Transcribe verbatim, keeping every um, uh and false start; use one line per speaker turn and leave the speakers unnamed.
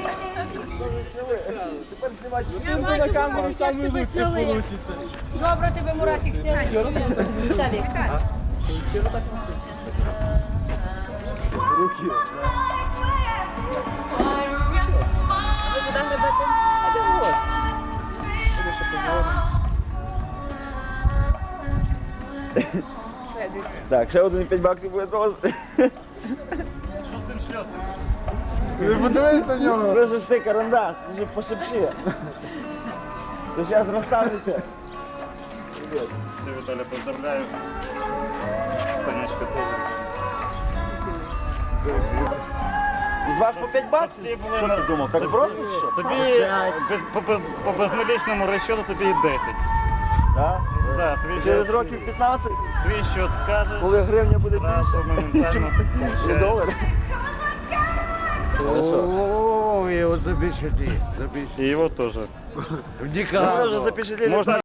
Тепер знімати картинку на камеру, самий лучший получишся.
Добре тебе, Мурасик, сьогодні. Віталій.
Руки.
Ви куди гребете?
А де гость? Тому що позвонимо. Так, ще один п'ять баксів буде досить.
Що з цим шльоцем?
Не подивись на нього. Просто ж ти карандаш, ти же пошепчи. Ти зараз розставишся.
Все, Віталя, поздравляю. Танечка теж.
Із вас по п'ять баксів?
Всі були
Що
на-
ти думав? Так
тобі-
просто чи що?
Тобі без, по, без, по безналічному розчету тобі і десять.
Так?
Да, свій
Через
счет-
років п'ятнадцять,
Свій счет скажеш.
коли гривня буде
Зразу
більше,
моментально
ніж
получаєш.
долар.
О, его запечатли, запечатли.
І його теж.
В Никарагуа.
Ми вже запечатлели
Можна